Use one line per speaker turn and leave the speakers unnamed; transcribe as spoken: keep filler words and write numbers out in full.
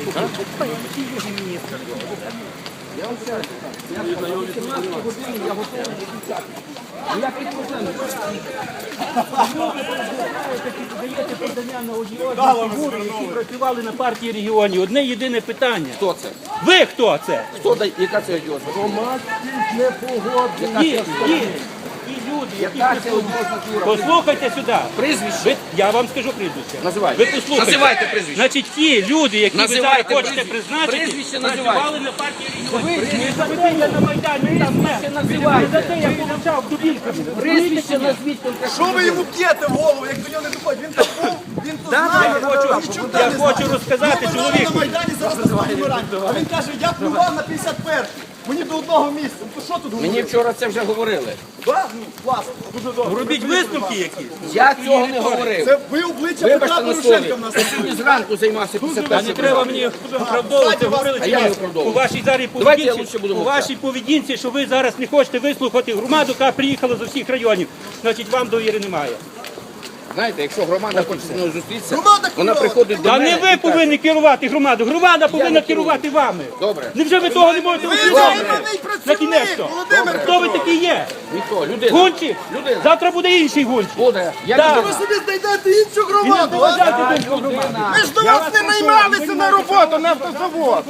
Я вам ще раз кажу, я о вісімнадцятій годині я готовий відповідати. Ніяких проблем
Даєте подання на одіозні фігури, які працювали на партії регіонів. Одне єдине питання.
Хто це?
Ви хто це?
Хто дає? Яка це одіозна?
Громадськість не погоджена.
Ті, ті, ті люди, які
Яка це
працюють.
одіозна фігура?
Послухайте сюди.
Прізвище?
Ви, я вам скажу прізвище.
Називайте.
Ви послухайте.
Називайте прізвище.
Значить, ті люди, які ви зараз
Називайте
хочете
прізвище.
призначити,
Прізвище
працювали
називайте.
на партії регіонів. Не за те я на Майдані там не.
називайте.
Не за те я получав дубінками.
Прізвище назвіть конкретно.
Що ви йому п'єте в голову, як до нього не доходить? Він тут був, він тут
Я
знає.
хочу,
нічого
я
не
хочу
знає.
розказати
Ми на
чоловіку.
Майдані зараз розбираємо. А він каже, я плював на п'ятдесят перший. Мені до одного місця. Ну, то що тут говорити?
Мені вчора це вже говорили.
Да? Ну, класно, дуже добре.
Робіть висновки якісь.
Я цього не говорив.
Це ви обличчя Петра
Вибачте на
Порошенка
слові.
в нас.
Я сьогодні зранку займався після
А
першого.
не треба мені оправдовувати, говорили
А
чи
я
ні?
не оправдовую.
У вашій зараз
Давайте я
поведінці,
лучше буду
у
мовчати.
вашій поведінці, що ви зараз не хочете вислухати громаду, яка приїхала з усіх районів. Значить, вам довіри немає.
Знаєте, якщо громада хоче зі мною зустрітися,
Громада
вона
керує.
приходить до
Та
мене.
не
і
ви
каже,
повинні керувати громаду, громада повинна
не керую.
керувати вами.
Добре.
Невже ви того не можете
Ви
усвідомити?
займаний
На кінець
працівник,
то.
Володимир
Хто ви
Петрович.
такий є?
Ніхто, людина.
Гунчик?
Людина.
Завтра буде інший гунчик.
Буде. Я
Так.
людина.
Ви собі знайдете іншу
І не
громаду, а?
заважайте думку громади.
Ми ж до вас не наймалися на роботу, на автозавод.